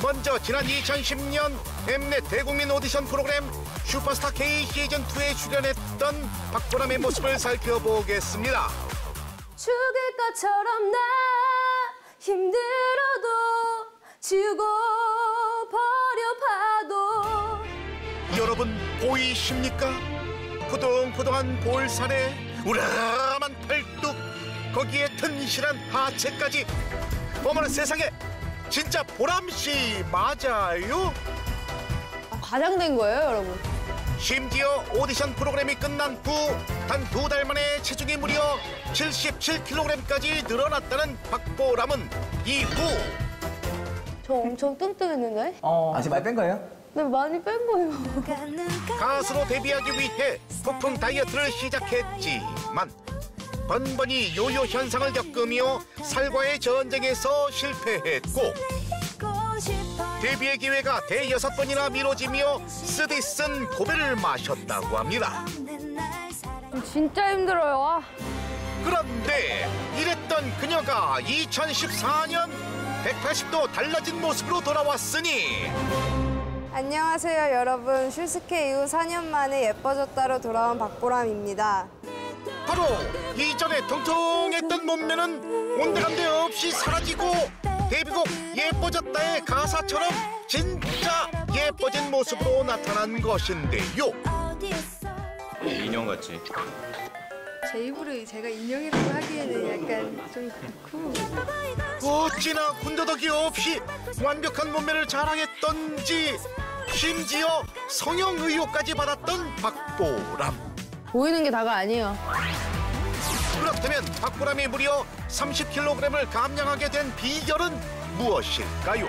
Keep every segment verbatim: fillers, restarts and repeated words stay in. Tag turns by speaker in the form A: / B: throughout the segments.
A: 먼저 지난 이천십 년 엠넷 대국민 오디션 프로그램 슈퍼스타 K 시즌이에 출연했던 박보람의 모습을 살펴보겠습니다.
B: 죽을 것처럼 나 힘들어도 죽어버려 봐도.
A: 여러분 보이십니까? 푸동푸동한 볼살에 우람한 팔뚝, 거기에 튼실한 하체까지. 어머나 세상에, 진짜 보람씨 맞아요?
B: 과장된 거예요, 여러분.
A: 심지어 오디션 프로그램이 끝난 후 단 두 달 만에 체중이 무려 칠십칠 킬로그램까지 늘어났다는 박보람은 이후
B: 저 엄청 뚱뚱했는데?
C: 어. 아, 지금 많이 뺀 거예요?
B: 네, 많이 뺀 거예요.
A: 가수로 데뷔하기 위해 폭풍 다이어트를 시작했지만 번번이 요요 현상을 겪으며 살과의 전쟁에서 실패했고 데뷔의 기회가 대여섯 번이나 미뤄지며 쓰디쓴 고배를 마셨다고 합니다.
B: 진짜 힘들어요. 아.
A: 그런데 이랬던 그녀가 이천십사 년 백팔십 도 달라진 모습으로 돌아왔으니.
D: 안녕하세요, 여러분. 슈스케 이후 사 년 만에 예뻐졌다로 돌아온 박보람입니다.
A: 바로 이전에 통통했던 몸매는 온데간데 없이 사라지고 데뷔곡 예뻐졌다의 가사처럼 진짜 예뻐진 모습으로 나타난 것인데요.
E: 인형같이.
D: 제 입으로 제가 인형이라고 하기에는 약간 좀 그렇고.
A: 어찌나 군더더기 없이 완벽한 몸매를 자랑했던지 심지어 성형 의혹까지 받았던 박보람.
B: 보이는 게 다가 아니에요.
A: 그렇다면 박보람이 무려 삼십 킬로그램을 감량하게 된 비결은 무엇일까요?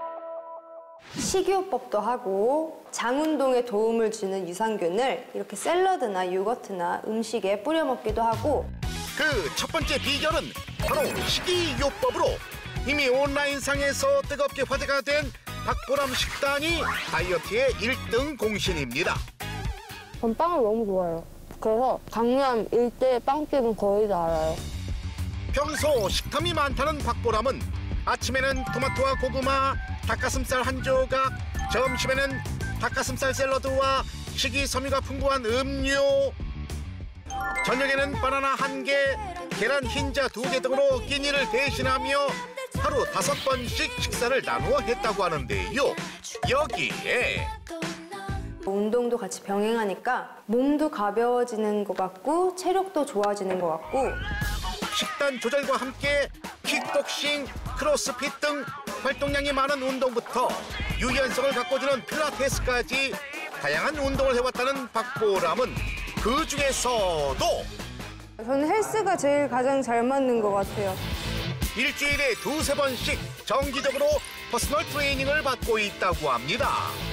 D: 식이요법도 하고 장 운동에 도움을 주는 유산균을 이렇게 샐러드나 요거트나 음식에 뿌려 먹기도 하고.
A: 그 첫 번째 비결은 바로 식이요법으로 이미 온라인상에서 뜨겁게 화제가 된 박보람 식단이 다이어트의 일 등 공신입니다.
B: 전 빵을 너무 좋아해요. 그래서 강남 일대 빵집은 거의 다 알아요.
A: 평소 식탐이 많다는 박보람은 아침에는 토마토와 고구마, 닭가슴살 한 조각, 점심에는 닭가슴살 샐러드와 식이섬유가 풍부한 음료, 저녁에는 바나나 한 개, 계란 흰자 두 개 등으로 끼니를 대신하며 하루 다섯 번씩 식사를 나누어 했다고 하는데요. 여기에
D: 운동도 같이 병행하니까 몸도 가벼워지는 것 같고 체력도 좋아지는 것 같고.
A: 식단 조절과 함께 킥복싱, 크로스핏 등 활동량이 많은 운동부터 유연성을 가꿔주는 필라테스까지 다양한 운동을 해왔다는 박보람은 그 중에서도
D: 저는 헬스가 제일 가장 잘 맞는 것 같아요.
A: 일주일에 두세 번씩 정기적으로 퍼스널 트레이닝을 받고 있다고 합니다.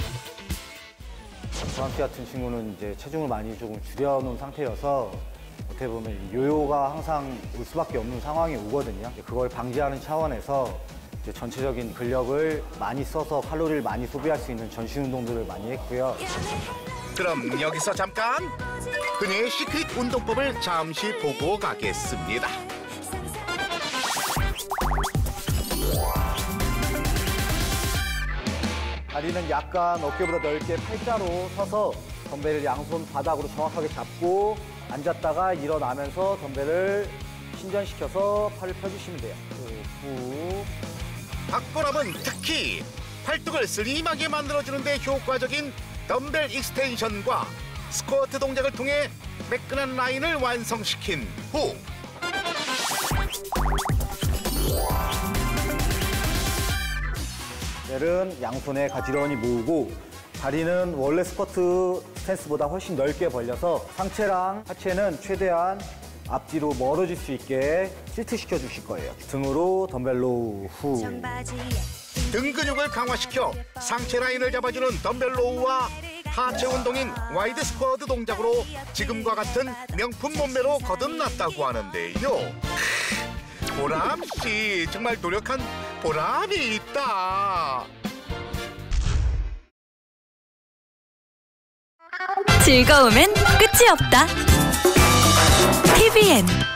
C: 저한테 같은 친구는 이제 체중을 많이 조금 줄여놓은 상태여서 어떻게 보면 요요가 항상 올 수밖에 없는 상황이 오거든요. 그걸 방지하는 차원에서 이제 전체적인 근력을 많이 써서 칼로리를 많이 소비할 수 있는 전신 운동들을 많이 했고요.
A: 그럼 여기서 잠깐 그녀의 시크릿 운동법을 잠시 보고 가겠습니다.
C: 다리는 약간 어깨보다 넓게 팔자로 서서 덤벨을 양손 바닥으로 정확하게 잡고 앉았다가 일어나면서 덤벨을 신전시켜서 팔을 펴주시면 돼요. 후.
A: 박보람은 특히 팔뚝을 슬림하게 만들어주는 데 효과적인 덤벨 익스텐션과 스쿼트 동작을 통해 매끈한 라인을 완성시킨 후
C: 벨은 양손에 가지런히 모으고 다리는 원래 스쿼트 스탠스보다 훨씬 넓게 벌려서 상체랑 하체는 최대한 앞뒤로 멀어질 수 있게 tilt시켜 주실 거예요. 등으로 덤벨로 후.
A: 등 근육을 강화시켜 상체 라인을 잡아주는 덤벨 로우와 하체 운동인 와이드 스쿼트 동작으로 지금과 같은 명품 몸매로 거듭났다고 하는데요. 보람씨 정말 노력한 보람이 있다.
F: 즐거움엔 끝이 없다. 티비엔